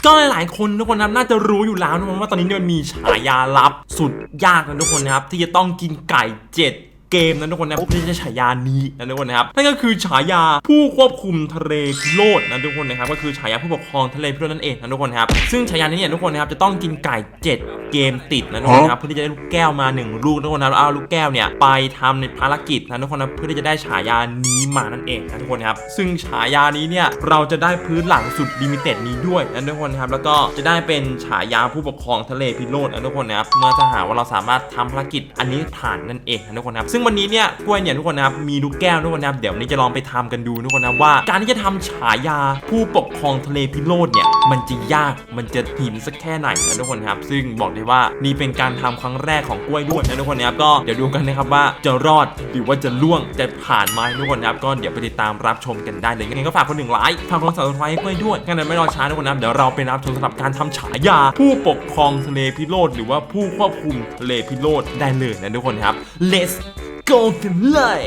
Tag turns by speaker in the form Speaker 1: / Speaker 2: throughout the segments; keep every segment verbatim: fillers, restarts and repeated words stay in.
Speaker 1: ก็หลายๆคนทุกคนนะน่าจะรู้อยู่แล้วนะว่าตอนนี้มันมีฉายาลับสุดยากนะทุกคนนะครับที่จะต้องกินไก่เจ็ดเกมนะทุกคนนะเพื่อจะฉายานี้นะทุกคนนะครับนั่นก็คือฉายาผู้ควบคุมทะเลพิโรธนะทุกคนนะครับก็คือฉายาผู้ปกครองทะเลพิโรธนั่นเองนะทุกคนครับซึ่งฉายานี้เนี่ยทุกคนนะครับจะต้องกินไก่เจ็ดเกมติดนะทุกคนครับเพื่อที่จะได้ลูกแก้วมาหนึ่งลูกทุกคนนะเอาลูกแก้วเนี่ยไปทำในภารกิจนะทุกคนนะเพื่อที่จะได้ฉายานี้มานั่นเองนะทุกคนครับซึ่งฉายานี้เนี่ยเราจะได้พื้นหลังสุดลิมิเต็ดนี้ด้วยนะทุกคนครับแล้วก็จะได้เป็นฉายาผู้ปกครองทะเลพิโรธนะทุกคนนะครับเมื่อถ้าหากว่าเราสามารถทำภารกิจอันนี้ผ่านนั่นเองนะทุกคนครับซึ่งวันนี้เนี่ยกล้วยเนี่ยทุกคนนะครับมีลูกแก้วทุกคนนะครับเดี๋ยวนี้จะลองไปทำกันดูทุกคนนะว่าการที่จะทำฉายาผู้ปกครองทะเลพิโรธเนี่ยมันจะยากมันจะหินสักแค่ไหนนะทุกคนครับซึ่งบอกได้ว่านี่เป็นการทำครั้งแรกของกล้วยด้วยนะทุกคนนะครับก็เดี๋ยวดูกันนะครับว่าจะรอดหรือว่าจะล่วงจะผ่านไหมทุกคนนะครับก็เดี๋ยวไปติดตามรับชมกันได้เลยงั้นก็ฝากคนหนึ่งไลค์ฝากคนสับสไครต์กล้วยด้วยงั้นไม่รอช้าทุกคนนะครับเดี๋ยวเราไปรับชมสำหรับการทำฉายาผู้ปกครองทะเลพิโรธหรือว่าผู้ควบคุมทะเลพิโรธได้เลยนะทุกคนครับ let's go กันเลย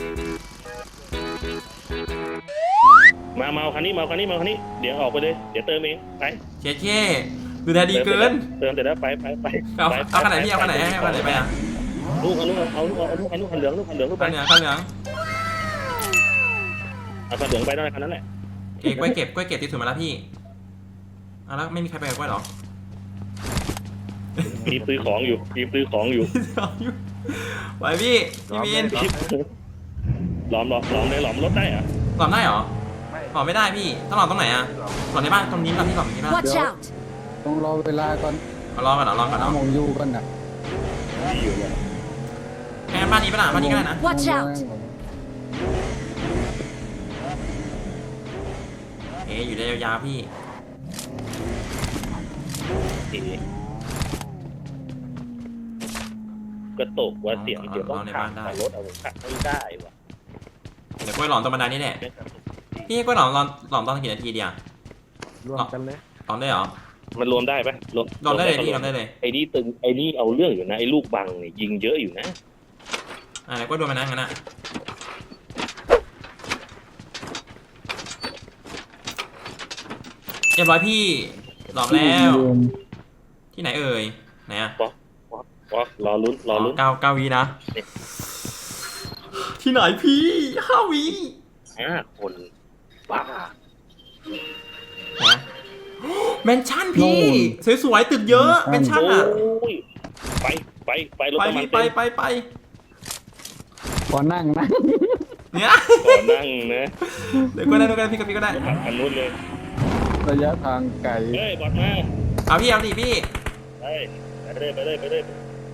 Speaker 2: มาเมาคันนี้เมาคันนี้เมาคันนี้เดี๋ยวออกไปเลยเดี๋ยวเติมเองไป
Speaker 1: เช่เช่ดูแลดีเกิน
Speaker 2: เติมเสร็จแล้วไปไปไป
Speaker 1: เอาเอาขนาดพี่เอาขนาดเอาขนาดไปอ่ะ
Speaker 2: ลูกเอาลูกเอาลูกเอาลูกเอาลูกคันเหลืองลูกคันเหลืองลูกไป
Speaker 1: ข้าวเหลืองข้าวเหลือง
Speaker 2: เอาคันเหลืองไปได้คันนั้นแหละ
Speaker 1: เอ้กล้วยเก็บกล้วยเก็บที่สุดมาแล้วพี่เอาแล้วไม่มีใครไปกับกล้วยหรอ
Speaker 2: รีบซื้อของอยู่รีบซื้อของอยู่
Speaker 1: ไหวพี่พี่มีน
Speaker 2: หลอมหลอมหลอมเลยหลอมรถได้อะ
Speaker 1: หลอมได้เหรอหลอมไม่ได้พี่ต้องหลอมตรงไหนอ่ะหลอมในบ้านตรงนี้ป่ะพี่หลอมนี้ป่ะ
Speaker 3: ต้องรอเวลาก่อน
Speaker 1: รอก่อนเหรอรอก่อนเนาะ
Speaker 3: มองอยู่ก่อนนะ
Speaker 2: อยู่เนี่ย
Speaker 1: แค่บ้านนี้ป่ะล่ะบ้านนี้ก็ได้นะเอ๊อยู่ได้ยาวๆพี่
Speaker 2: ก็ตกว่าเสียงเดี๋ยวต้องขับรถเอาขับไม่ได้ว่ะ
Speaker 1: เดี๋ยวกล้วยหลอมตรงบันไดนี่แหละพี่กล้วยหลอมหลอมหลอมตอนกี่นาทีเดียว
Speaker 3: รวมกันเลย
Speaker 1: หลอมได้เหรอ
Speaker 2: มันรวมได้ปะ
Speaker 1: รวมรวมได้เลยพี่รวมได้เลย
Speaker 2: ไอ้นี่ตึงไอ้นี่เอาเรื่องอยู่นะไอ้ลูกบังเนี่ยยิงเยอะอยู่นะ
Speaker 1: อ่าแล้วก็โดนมานั่งกันนะเรียบร้อยพี่หลอมแล้วที่ไหนเอ่ยไหนอะ
Speaker 2: ป๊อกป๊อกป๊อกรอลุ้นรอลุ้น
Speaker 1: เก้าเก้าวีนะที่ไหนพี่ห้าวี
Speaker 2: ห้าคนบ้า
Speaker 1: นะแมนชั่นพี่สวยๆตึกเยอะแมนชั่นอ่ะ
Speaker 2: ไปไปไปรถน้ำมัน
Speaker 1: ไปไปไป
Speaker 3: ขอนั่งนะ
Speaker 1: เนี่ย
Speaker 2: ขอนั่งนะ
Speaker 1: เดี๋ยวก็ได้เดี๋ยวก็ได้พี่กับพี่ก็ได้
Speaker 2: อันนู้นเลย
Speaker 3: ระยะทางไกล
Speaker 2: เฮ้ยบอดมา
Speaker 1: เอาพี่เอาดิพี่
Speaker 2: ไปไปเลยไปเลยไปเลย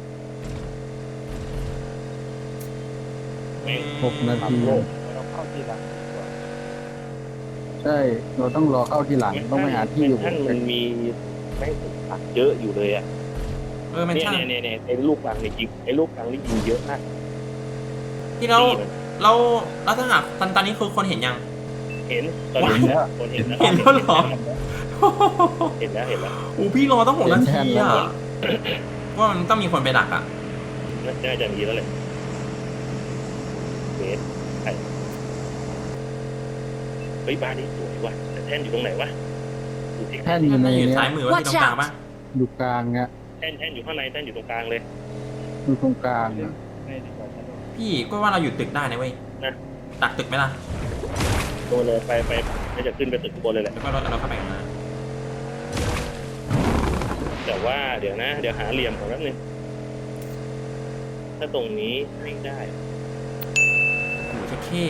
Speaker 3: หกนาทีเราเข้าทีหลังใช่เราต้องรอเข้าทีหลังต้องไปหาที่อยู่
Speaker 2: ท่านมันมีแม่งตักเยอะอยู่เลยอ่ะ
Speaker 1: เออมันใช่
Speaker 2: เนี่ยเนี่ยไอ้ลูกบางนี่ยิงไอ้ลูกบางนี่ยิงเยอะมาก
Speaker 1: ที่เราเราเราถ้าหากตอนตอนนี้คือคนเห็นยัง
Speaker 2: เห็นตอนนี้คนเห็นแล้ว
Speaker 1: เห็นแล้วหรอ
Speaker 2: เห็นแล้วเห็นแล้ว
Speaker 1: โอ้พี่รอต้องหกนาทีอ่ะว่ามันต้องมีคนไปดักอ่ะ
Speaker 2: น่าจะมีแล้วแหละเบสเฮ้ยบ้านนี้สวยว่ะแต่แท่นอยู่ตรงไหนวะ
Speaker 3: แท่นอยู่ใน
Speaker 1: ซ้ายมือว่าที่ตรงกลางปะ
Speaker 3: อยู่กลางเงี้ย
Speaker 2: แท่นแท่นอยู่ข้างในแท่นอยู่ตรงกลางเลย
Speaker 3: อยู่ตรงกลาง
Speaker 1: พี่ก็ว่าเราอยู่ตึกได้นะเว้ยดักตึกไหมล่ะ
Speaker 2: โดนเลยไปไปไม่จะขึ้นไปตึกบนเลยแหละ
Speaker 1: แล้วก็เราเราเข้าไปกันนะ
Speaker 2: แต่ว่าเดี๋ยวนะเดี๋ยวหาเหลี่ยมของแป๊บนึงถ้าตรงนี้ไม่ได้
Speaker 1: โอ้โหแค่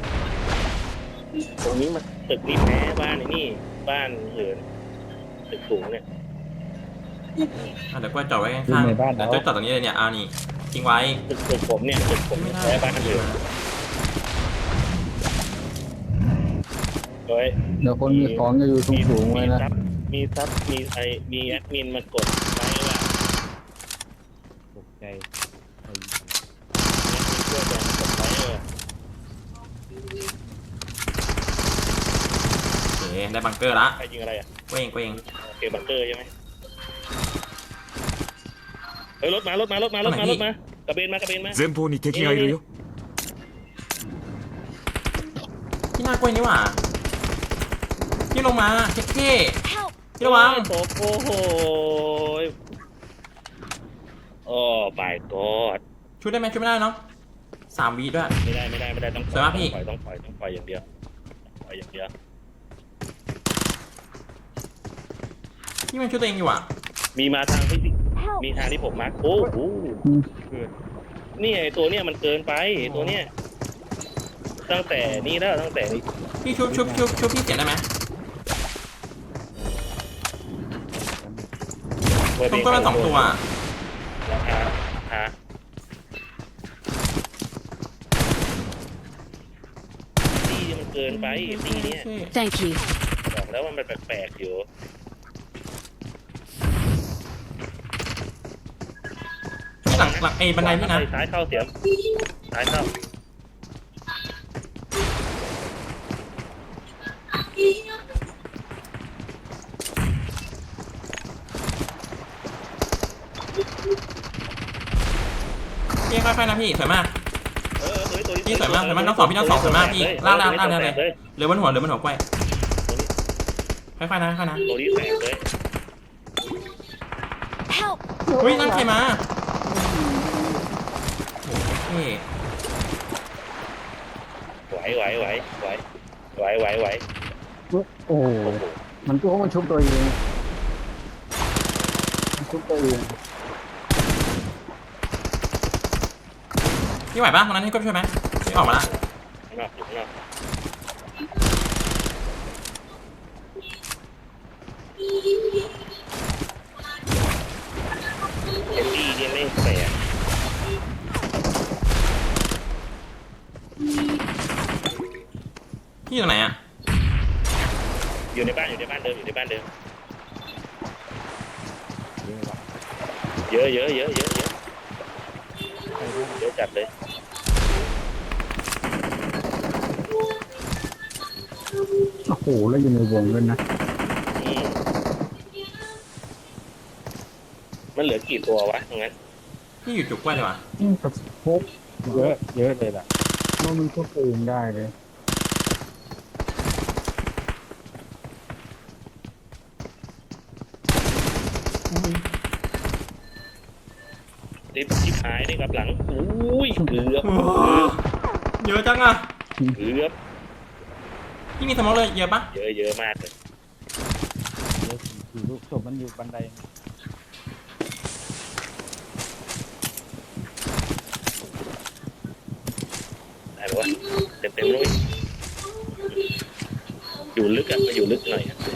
Speaker 2: ตรงนี้มันตึกนี้แพ้บ้านไอ้นี่บ้านเหลือตึกสูงเนี่ย
Speaker 1: เดี๋ยวก็จอดไว้ข้างๆเดี๋ยวจะจอดตรงนี้เลยเนี่ยเอานี่ทิ้งไว้
Speaker 2: ตึกตึกผมเนี่ยตึกผมแพ้บ้านเหลือเฮ้ย
Speaker 3: เดี๋ยวคนมีของจะอยู่สูงสูงไว้นะ
Speaker 2: มีซับมีไอมีแอดมินมากดไว้ว่าตกใจช่วยแบงกดไว้เออ
Speaker 1: โอเคได้บังเกอร์ละ
Speaker 2: ใครยิงอะไรอ่ะ
Speaker 1: เว้งเว้ง
Speaker 2: โอเคบังเกอร์ใช่ไหมเฮ้ยรถมารถมารถมารถมารถมากระเบนมากระเบนมา
Speaker 4: 前方に敵がいるよ
Speaker 1: ที่หน้ากล้วยนี่หว่าที่ลงมาเท่ๆพี่ระวัง
Speaker 2: โอ้โหโอ้โหโอ้ปายกอด
Speaker 1: ช่วยได้ไหมช่วยไม่ได้เนาะสามวีด้วย
Speaker 2: ไม่ได้ไม่ได้ไม่ได้ต้อง
Speaker 1: สวยมากพี่
Speaker 2: ปล่อยต้องปล่อยต้องปล่อยอย่างเดียวปล่อยอย่างเดียว
Speaker 1: พี่มันช่วยตัวเองอยู่อ่ะ
Speaker 2: มีมาทางที่มีทางที่ผมมาร์คโอ้โหนี่ไอตัวเนี้ยมันเกินไปไอ้ตัวเนี้ยตั้งแต่นี่แล้วตั้งแต่นี้
Speaker 1: พี่ชุบชุบชุบชุบพี่เสียได้ไหม
Speaker 2: เปิด
Speaker 1: ต้
Speaker 2: เพ
Speaker 1: อง
Speaker 2: ล
Speaker 1: ก็มาสองตัวอะ
Speaker 2: ฮะฮะตีมันเกินไปตีเนี้ย
Speaker 4: Thank you.
Speaker 2: บอกแล้วว่ามันแปลกๆอยู่
Speaker 1: พี่หลังหลังไอ้บันไดพี่นะ
Speaker 2: ซ้ายเข้าเสียมซ้ายเข้า
Speaker 1: พี่ค่อยๆนะพี่สวยมาก
Speaker 2: เออเฮ้ยตัวนี้
Speaker 1: พี่สวยมากสวยมากน้องสองพี่น้องสองสวยมากพี่ลากลากลากเลย
Speaker 2: เลย
Speaker 1: เหลือบนหัวเหลือบนหัวกล้วยค่อยๆนะค่อยๆนะ
Speaker 2: ตัวนี้แตกเลย
Speaker 4: Help!
Speaker 1: เฮ้ยนั่นใครมาโอ้โห
Speaker 2: ไหวไหวไหวไหวไหวไหวไหว
Speaker 3: โอ้โหมันก็มันชุบตัวเองมันชุบตัวเอง
Speaker 1: พี่ไหวปะตรงนั้นให้กล้วยช่วยไหมพี่ออกมาละ
Speaker 2: ข้างนอกอยู่ข้างนอกเอ็มดี้เนี่ยไม่แปลก
Speaker 1: พี่อยู่ไหนอ่ะ
Speaker 2: อยู่ในบ้านอยู่ในบ้านเดิมอยู่ในบ้านเดิมเยอะเยอะเยอะเยอะเยอะเยอะจัดเลย
Speaker 3: โอ้โหแล้วอยู่ในวงด้วยนะ
Speaker 2: อืมมันเหลือกี่ตัววะตรงนั้น
Speaker 1: พี่อยู่จุกกล้วยเลยวะ
Speaker 3: นี่กับพกเยอะเยอะเลยล่ะมันมันชุบตัวเองได้เลย
Speaker 2: ติดชิบหายนี่กับหลังอุ้ยเกือบ
Speaker 1: โอ้โหเยอะจังอ่ะ
Speaker 2: เกือบ
Speaker 1: พี่มีสมองเลยเยอะปะ
Speaker 2: เยอะเยอะมากเลย
Speaker 3: เยอะสี่ลูกศพมันอยู่บันได
Speaker 2: ได้ปะวะเต็มเต็มๆเลยอยู่ลึกอะมาอยู่ลึกหน่อยอะ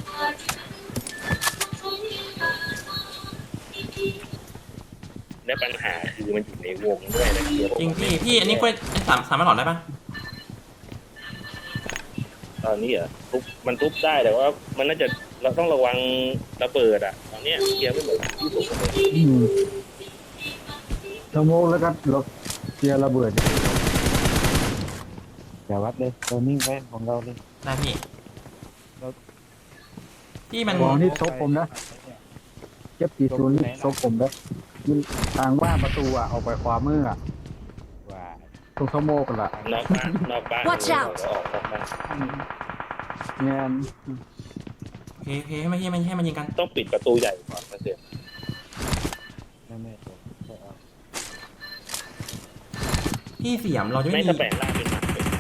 Speaker 2: และปัญหาคือมันอยู่ในวงด้วยนะเดี๋ยว
Speaker 1: จริงพี่พี่อันนี้กล้วยสามสามารถหลอดได้ปะ
Speaker 2: ตอนนี้เหรอทุบมันทุบได้แต่ว่ามันน่าจะเราต้องระวังระเบิดอะตอนเนี้ยเกียร์ไม่เหมือนที่ถูกเลย
Speaker 3: อืมสโมกแล้วก็รถเกียร์ระเบิดอย่าวัดเลยเรานิ่งไว้ของเราเลย
Speaker 1: ได้พี่พี่มัน
Speaker 3: ของนี่ซบผมนะเจ็บกี่ศูนย์นี่ซบผมนะยิงทางว่าประตูอ่ะออกไปขวามืออ่ะตรงสโมกกันละ
Speaker 2: นอกบ้านนอกบ้าน
Speaker 4: Watch out
Speaker 2: เราออกนอกบ้าน
Speaker 3: เงี้ย
Speaker 1: โอเคโอเคให้มันให้มันให้มันยิงกัน
Speaker 2: ต้องปิดประตูใหญ่ก่อนนะเสีย
Speaker 1: พี่เสียมเราจะ
Speaker 2: ไม่
Speaker 1: ไม่
Speaker 2: ถ้า
Speaker 1: มี
Speaker 2: แปลงร่างเป็นหนักเลย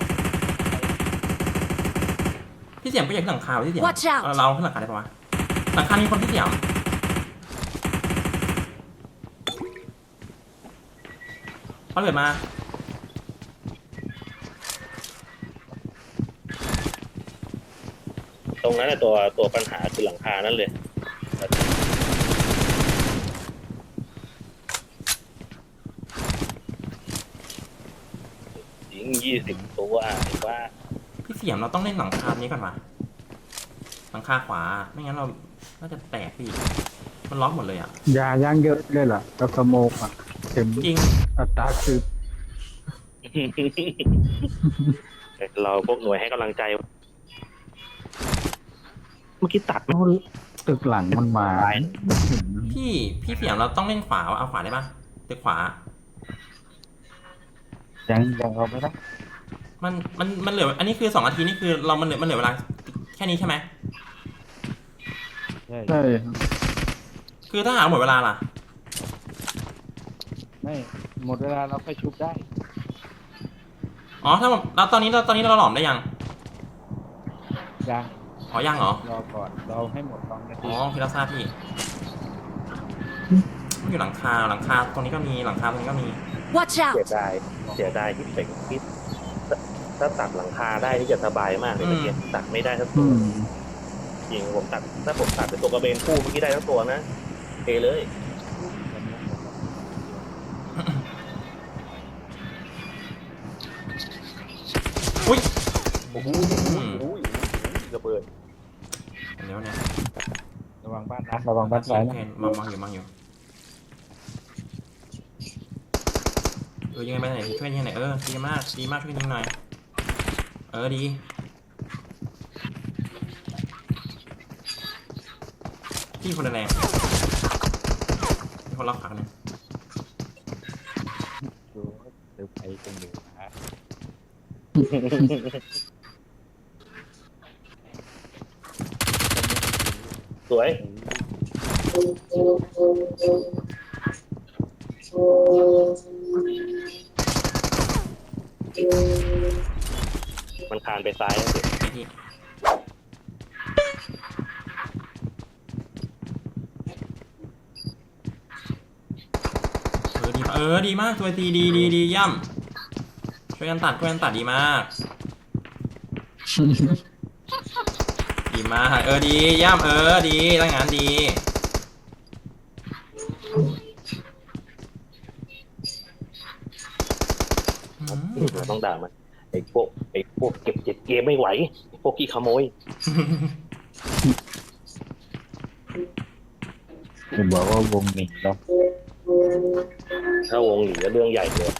Speaker 1: พี่เสียมก็อยากขึ้นหลังคาพี่เสียม
Speaker 4: Watch out
Speaker 1: เราเราขึ้นหลังคาได้ปะวะหลังคามีคนพี่เสียมเขาเกิดมา
Speaker 2: ตรงนั้นน่ะตัวตัวปัญหาคือหลังคานั่นเลยยิงยี่สิบตัวไอ้ว่า
Speaker 1: พี่เสียมเราต้องเล่นหลังคานี้ก่อนวะหลังคาขวาไม่งั้นเราน่าจะแตกพี่มันล็อกหมดเลยอ่ะ
Speaker 3: ยาย่างเยอะเลยล่ะกับสโมกอ่ะเต็ม
Speaker 1: จริง
Speaker 3: อัตราคือ
Speaker 2: เราพวกหน่วยให้กำลังใจ เมื่อกี้ตัดไหม
Speaker 3: ตึกหลังมันมา
Speaker 1: พี่พี่เสียมเราต้องเล่นขวาวะเอาขวาได้ปะตึกขวา
Speaker 3: ยังยังเอาไม่ได้
Speaker 1: มันมันมันเหลืออันนี้คือสองนาทีนี่คือเรามันเหลือมันเหลือเวลาแค่นี้ใช่ไหม
Speaker 4: ใช่
Speaker 3: ใช่
Speaker 1: คือถ้าหาหมดเวลาล่ะ
Speaker 4: ไม่หมดเวลาเราค่อยชุบได้
Speaker 1: อ๋อถ้าแบบแล้วตอนนี้เราตอนนี้เราหลอมได้ยัง
Speaker 4: ยัง
Speaker 1: อ๋อยังเหรอ
Speaker 4: รอก่อนเราให้หมดสองนา
Speaker 1: อ๋
Speaker 4: ที
Speaker 1: อพี่รับทราบพี่มันอยู่หลังคาหลังคาตรงนี้ก็มีหลังคาตรงนี้ก็มี
Speaker 5: Watch
Speaker 2: เสีย
Speaker 5: out!
Speaker 2: ดายเสียดายที่เป็กที่ถ้าตัดหลังคาได้นี่จะสบายมากเลยเมื่อกี้ตัดไม่ได้ทั้งตั
Speaker 3: อื
Speaker 2: ว
Speaker 3: ม
Speaker 2: จริงผมตัดถ้าผมตัดเป็นตัวกระเบนคู่เมื่อกี้ได้ทั้งตัวนะเทเลย
Speaker 1: อุ้ย
Speaker 2: โอ้โหระเบิด
Speaker 1: เดี๋ยวเนี่ย
Speaker 4: ระวังบ้านนะระวังบ้านซ้าย
Speaker 1: โอ
Speaker 4: นะ
Speaker 1: เคมองมองอยู่มองอยู่เออยังไงไปไหนช่วยยังไงเออดีมากดีมากช่วยยิงหน่อยเออดีพี่คนแรงมีคนล็อกขาเนี่ย
Speaker 4: ดูเดี๋ยวไปกันอยู่นะ
Speaker 2: สวยมันคานไปซ้ายแล้วสิ
Speaker 1: ไอ้พี่เออดีเออดีมากตัวตีดีดีดีย่ำช่วยกันตัดช่วยกันตัดดีมาก ดีมากเออดีย่ำเออดีตั้งงานดีอืม
Speaker 2: เราต้องด่ามันไอ้พวกไอ้พวกเก็บเจ็ดเกมไม่ไหวไอ้พวกขี้ขโมย
Speaker 4: จะบอกว่าวงหนึ่งเรา
Speaker 2: ถ้าวงหลีก็เรื่องใหญ่เลย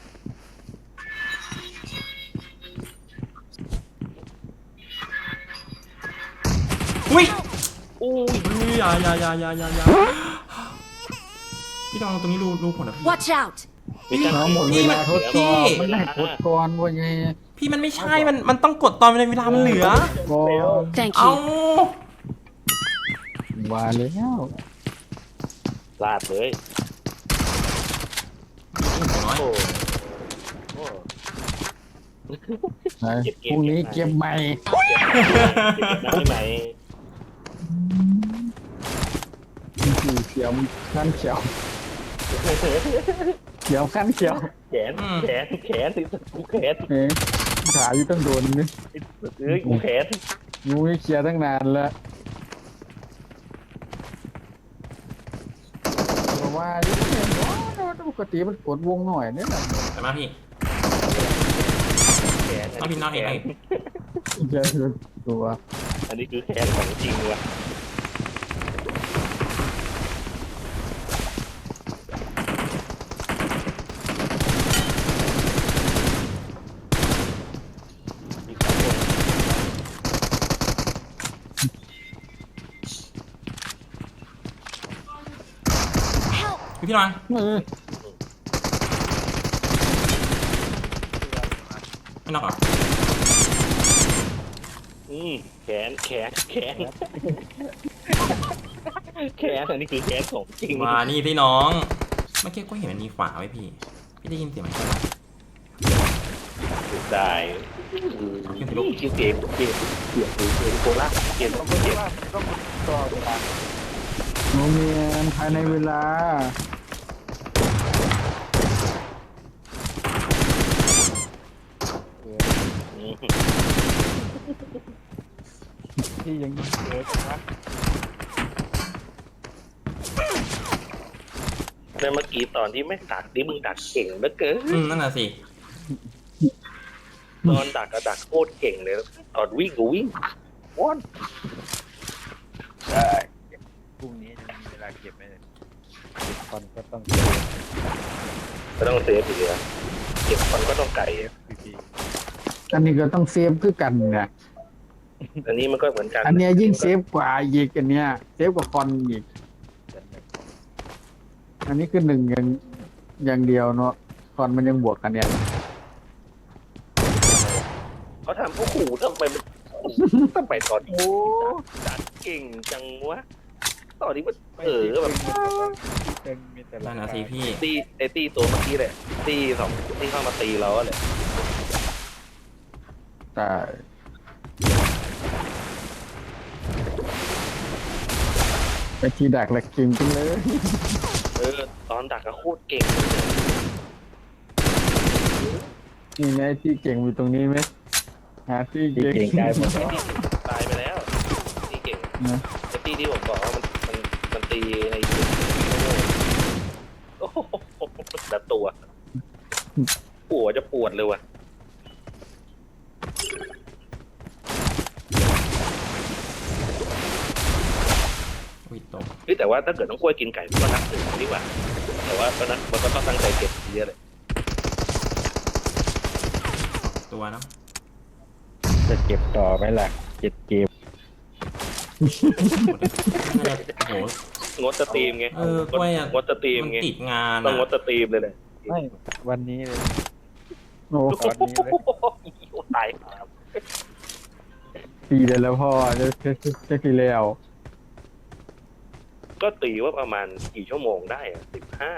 Speaker 1: อุ้ย
Speaker 2: อู้ย
Speaker 1: อุ้ยอย่าอย่าอย่าอย่าอย่าอย่าพี่ลองตรงนี้ดูดูผลนะพี่
Speaker 5: Watch out!
Speaker 2: มีการ
Speaker 3: น้องหมดเวลาทดสอบมันได้ทดก่อนว่าไง
Speaker 1: พี่มันไม่ใช่มันมันต้องกดตอนในเวลามันเหลือ
Speaker 3: ก่อน
Speaker 5: Thank
Speaker 1: เอา
Speaker 5: you.
Speaker 3: ว่าแล้ว
Speaker 2: ลาดเลย
Speaker 1: น้อย
Speaker 2: โอ้โห
Speaker 3: ไหนพรุ่งนี้เก็บใหม่
Speaker 2: ได้ไหม
Speaker 3: สีเขียวขั้นเขียวเขียวขั้นเขียว
Speaker 2: แขนแขนแขนสิกูแขน
Speaker 3: เอ๊ะขาอยู่ตั้งโดนนี่
Speaker 2: เอ้ยกูแขน
Speaker 3: งูไม่เคลียร์ตั้งนานแล้วเพราะว่านี่เนี่ยปกติมันกดวงหน่อยเนี่ยนะ
Speaker 1: แต่มาพี่
Speaker 2: แขน
Speaker 1: น้องพิมพ์น้องเองไอ้
Speaker 3: จะคือตัว
Speaker 2: อันนี้คือแขนของจริงว่ะ
Speaker 1: พี่พี่นอน
Speaker 3: เออ
Speaker 1: ไม่นอกเหรอ
Speaker 2: อืมแขนแขนแขนแขนอันนี้คือแขนของจริง
Speaker 1: มานี่พี่น้องเมื่อกี้ก็เห็นมันมีขวาไว้พี่ พี่ได้ยินเสียงมันใช่ไหม
Speaker 2: ได้เกมเกมเกมเกมเกมโคล่าเกมต้องเกม
Speaker 4: ต้องต่อเวลา
Speaker 3: โนเมียนภายในเวลา
Speaker 4: ที่ยังเกิดนะ
Speaker 2: แล้วเมื่อกี้ตอนที่ไม่ดักนี่มึงดักเก่งเหลือเกิน
Speaker 1: อืมนั่นน่ะสิ
Speaker 2: ตอนดักก็ดักโคตรเก่งเลยตอนวิ่งก็วิ่งว้อน
Speaker 4: ได้พรุ่งนี้จะมีเวลาเก็บไหมเนี่ยคอนก็ต้อง
Speaker 2: ก็ต้องเซฟอยู่เลยเก็บคนก็ต้องไก่
Speaker 4: พี่
Speaker 3: อันนี้ก็ต้องเซฟคือกันเนี่ย
Speaker 2: อันนี้มันก็เหมือนกัน
Speaker 3: อันเนี้ยยิ่งเซฟกว่าอีกอันเนี้ยเซฟกว่าคอนอีก
Speaker 4: ๆจะแบบ
Speaker 3: อันนี้คือหนึ่งอย่างอย่างเดียวเนาะคอนมันยังบวกกันเนี่ย
Speaker 2: เขาทำโอ้โหทำไมมันทำไมตอนนี้ดักเก่งจังวะตอนนี้มัน
Speaker 4: ไม่
Speaker 2: เออ
Speaker 4: ที่
Speaker 2: แบบ
Speaker 4: ตึงมีแต่หลั
Speaker 1: นั่
Speaker 4: ง
Speaker 1: นนะ
Speaker 4: คา
Speaker 1: สิพี่
Speaker 2: ตีไอตีตัวเมื่อกี้แหละตีสองที่เข้ามาตีเราอะเลย
Speaker 3: แต่ไปทีดักแหลกจริงจริงเลย
Speaker 2: เออตอนดักก็โคตรเก่งเลย
Speaker 3: นี่ไงที่เก่งอยู่ตรงนี้ไหมหาที่
Speaker 4: ที่
Speaker 3: เก่ง
Speaker 4: เก่งได้หมดแล้ว
Speaker 2: ตายไปแล้วตีเก่ง
Speaker 3: นะ
Speaker 2: ไอตีที่ผมบอกว่ามันมันมันตีในโอ้โหแต่ตัวปวดจะปวดเลยว่ะ
Speaker 1: อุ้ยตก
Speaker 2: เฮ้ยแต่ว่าถ้าเกิดน้องกล้วยกินไก่ก็นับถือดีกว่าแต่ว่าก็นับมันก็ต้องตั้งใจเก็บเยอะเลย
Speaker 1: ตัวเนาะ
Speaker 4: จะเก็บต่อไหมล่ะเก็บเกม
Speaker 1: น่าจะโอ้โห
Speaker 2: งดสตรีมไง
Speaker 1: เออกล้วยอะ
Speaker 2: งดสตรีม
Speaker 1: มัน
Speaker 2: ไง
Speaker 1: ติดงาน
Speaker 2: ต้องงด
Speaker 1: อะ
Speaker 2: สตรีมเลยเลย
Speaker 4: ไม่วันนี้เลย
Speaker 3: โอ้
Speaker 4: ตอนนี้เลย
Speaker 2: โอ้ตายครับ
Speaker 3: ปีเดียวแล้วพ่อจะจะจะจะทีแล้ว
Speaker 2: ก็ตีว่าประมาณกี่ชั่วโมงได้อะสิบห้า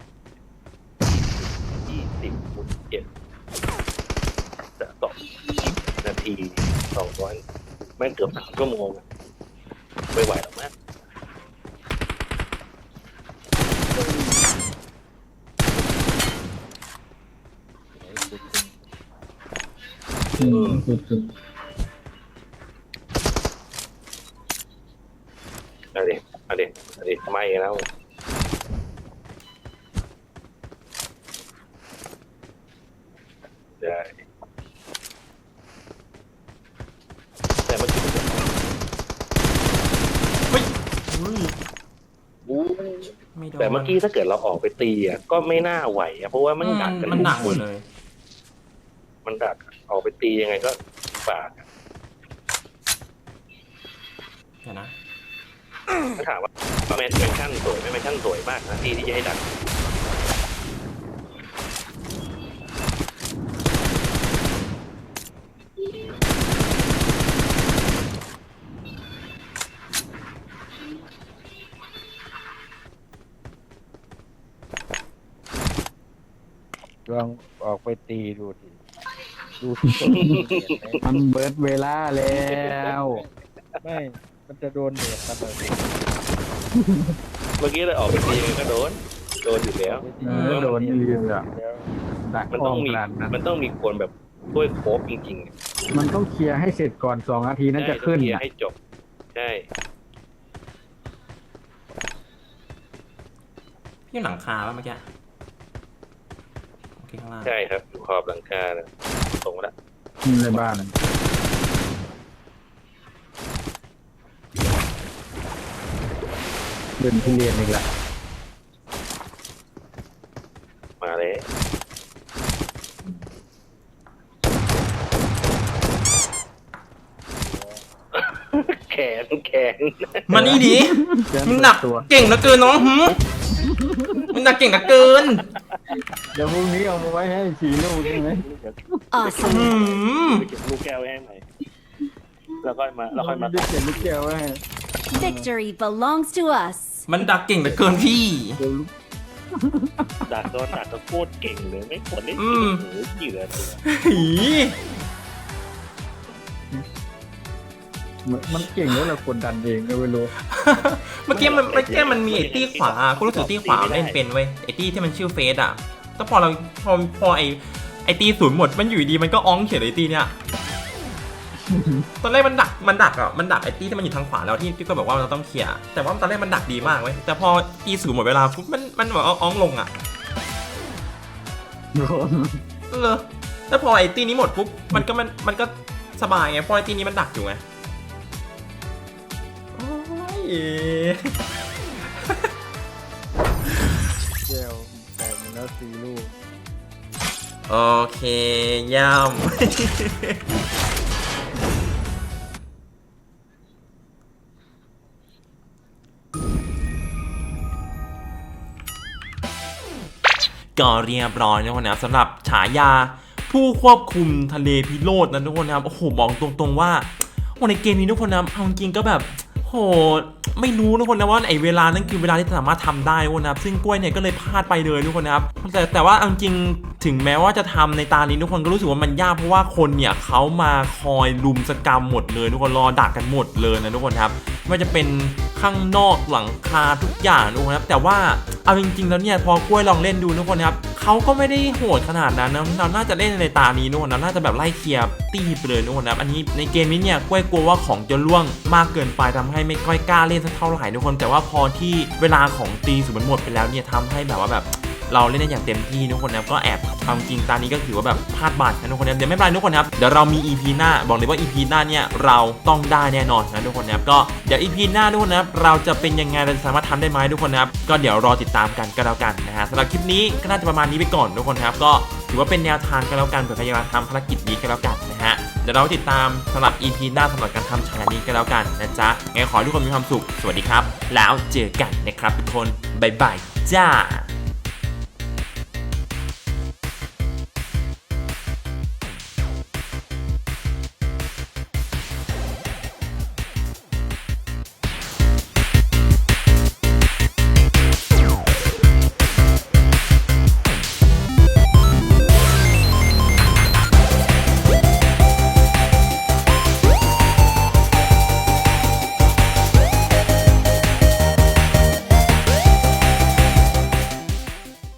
Speaker 2: ยี่สิบคูณเจ็ดจะสองนาทีสองร้อยแม่งเกือบสามชั่วโมงอะไม่ไหวหรอกนะ
Speaker 3: อืมสุด
Speaker 2: เอาดิเอาดิเอาดิไม่แล้วได้แต่เมื่อกี้
Speaker 1: เฮ้ยอุ้ย
Speaker 2: อู้
Speaker 1: ไม่โดน
Speaker 2: แต่เมื่อกี้ถ้าเกิดเราออกไปตีอ่ะก็ไม่น่าไหวอ่ะเพราะว่า
Speaker 1: มั
Speaker 2: มัน นดักกัน
Speaker 1: มันหนักหมดเลย
Speaker 2: มันดักออกไปตียังไงก็บากอะ
Speaker 1: เดี๋ยวนะ
Speaker 2: ถ้าถามว่าแมนแมนชั่นสวยไหมแมนชั่นสวยมากนะที่ที่จะให้ดัก
Speaker 4: ลองออกไปตีดูดิดูที่ต้นเห็นไหม
Speaker 3: ๆมันเบิร์ดเวลาแล้ว
Speaker 4: ไม่ มันจะโดนเหนียบมันเลย
Speaker 2: เมื่อกี้เลยออกไปตียังไงก็โดนโดนอยู่แล้ว
Speaker 3: เออโดนลืมอ่ะ
Speaker 4: แล้ว
Speaker 3: ดัก
Speaker 2: มัน
Speaker 3: อ้
Speaker 2: ต้
Speaker 3: อ
Speaker 2: อง
Speaker 3: ม
Speaker 2: มี
Speaker 3: ขนาดนั้น
Speaker 2: มันต้องมีคนแบบช่วยโคบจริงๆอะ
Speaker 3: มันต้องเคลียร์ให้เสร็จก่อนสองนาทีนั่นจะขึ้น
Speaker 2: ใช่ต้องเคลีย
Speaker 3: อ่ะ
Speaker 2: ร์ให้จบใช่
Speaker 1: พี่อยู่หลังคาป่ะเมื่อกี้โอเคข้างล่าง
Speaker 2: ใช่ครับอยู่ขอบหลังคานะส่งมาแล้ว
Speaker 3: ในบ้านเดินที่เรียนอีกละ
Speaker 2: มาเลยแขนแขน
Speaker 1: มานี่ดิ
Speaker 3: เดิน
Speaker 1: มึงหนัก
Speaker 3: ตัว
Speaker 1: เก่งเหลือเกินน้องหืมมึงหนักเก่งเหลือเกิน
Speaker 3: เดี๋ยวพรุ่งนี้เอามาไว้ให้ขี่ลูกใช่ไหม
Speaker 5: Awesome.
Speaker 1: หืม
Speaker 2: ไปเก็บลูกแก้วไว้ให้ใหม่แล้วก็มาแล้วค่อยมา
Speaker 3: ได้เขียนลูกแก้วไว้ให้
Speaker 5: Victory belongs to us.
Speaker 1: มันดักเก่งเหลือเกินพี่
Speaker 3: เดี๋ยวลูก
Speaker 2: ดักโดนดักก็โคตรเก่งเลยไม่ควรได้
Speaker 1: อื
Speaker 2: กิน
Speaker 1: ม
Speaker 2: หรือกี่เลยตัว
Speaker 1: หี
Speaker 3: มันมันเก่งแล้วเรากดดันเองก็ไม่รู้
Speaker 1: เมื่อกี้มันเมื่อกี้มันมีไอ้ตี้ขวากูรู้สึกตี้ขวาเล่นเป็นเว้ยไอ้ตี้ที่มันชื่อเฟสอ่ะแต่พอเราพอพอไอ้ไอ้ตี้ศูนย์หมดมันอยู่ดีมันก็อ้องเฉยเลยไอ้ตี้เนี่ยตอนแรกมันดักมันดักอ่ะมันดักไอ้ตี้ที่มันอยู่ทางขวาแล้วที่ที่ก็บอกว่าเราต้องเคลียร์แต่ว่าตอนแรกมันดักดีมากเว้ยแต่พอตี้ศูนย์หมดเวลาปุ๊บมันมันแบบอ้องลงอ่ะเออแล้วพอไอ้ตี้นี้หมดปุ๊บมันก็มันมันก็สบายไงเพราะไอ้ตี้นี้มันดักอยู่ไงโอ้ย
Speaker 4: แก้วแต่มันแล้วตีลูก
Speaker 1: โอเคย่ำ ก็เรียบร้อยนะทุกคนนะครับสำหรับฉายาผู้ควบคุมทะเลพิโรธนะทุกคนนะครับโอ้โหบอกตรงๆว่าโอ้ในเกมนี้ทุกคนนะเอาจริงๆก็แบบโหไม่รู้ทุกคนนะว่าไอ้เวลานั้นคือเวลาที่สามารถทำได้ทุกคนนะครับซึ่งกล้วยเนี่ยก็เลยพลาดไปเลยทุกคนนะครับแต่แต่ว่าจริงถึงแม้ว่าจะทำในตานี้ทุกคนก็รู้สึกว่ามันยากเพราะว่าคนเนี่ยเขามาคอยลุมสกรรมหมดเลยทุกคนรอดักกันหมดเลยนะทุกคนครับไม่ว่าจะเป็นข้างนอกหลังคาทุกอย่างทุกคนครับแต่ว่าเอาจริงๆแล้วเนี่ยพอกล้วยลองเล่นดูทุกคนครับเขาก็ไม่ได้โหดขนาดนั้นนะเราน่าจะเล่นในตานี้ทุกคนนะน่าจะแบบไล่เคลียร์ตีไปเลยทุกคนนะครับอันนี้ในเกมนี้เนี่ยกล้วยกลัวว่าของจะล่วงมากเกินไปทำให้ไม่ค่อยกล้าเล่นสักเท่าไหร่ทุกคนแต่ว่าพอที่เวลาของตีสุดมันหมดไปแล้วเนี่ยทำให้แบบว่าแบบเราเล่นได้อย่างเต็มที่ทุกคนนะก็แอบความจริงตานี้ก็ถือว่าแบบพลาดบาดนะทุกคนนะเดี๋ยวไม่เป็นไรทุกคนครับเดี๋ยวเรามี อี พี หน้าบอกเลยว่า อี พี หน้าเนี่ยเราต้องได้แน่นอนนะทุกคนนะครับก็เดี๋ยว อี พี หน้าทุกคนนะครับเราจะเป็นยังไงเราจะสามารถทำได้ไหมทุกคนนะครับก็เดี๋ยวรอติดตามกันก็แล้วกันนะฮะสำหรับคลิปนี้ก็น่าจะประมาณนี้ไปก่อนทุกคนครับก็ถือว่าเป็นแนวทางก็แล้วกันเผื่อใครอยากทำภารกิจนี้ก็แล้วกันนะฮะเดี๋ยวเราติดตามสำหรับ อี พี หน้าสำหรับการทำฉายานี้ก็แล้วกันนะจ๊ะไงขอให้ทุกคนมีความสุขสวัสดีครับแล้วเจอกันนะครับทุกคนบ๊ายบายจ้า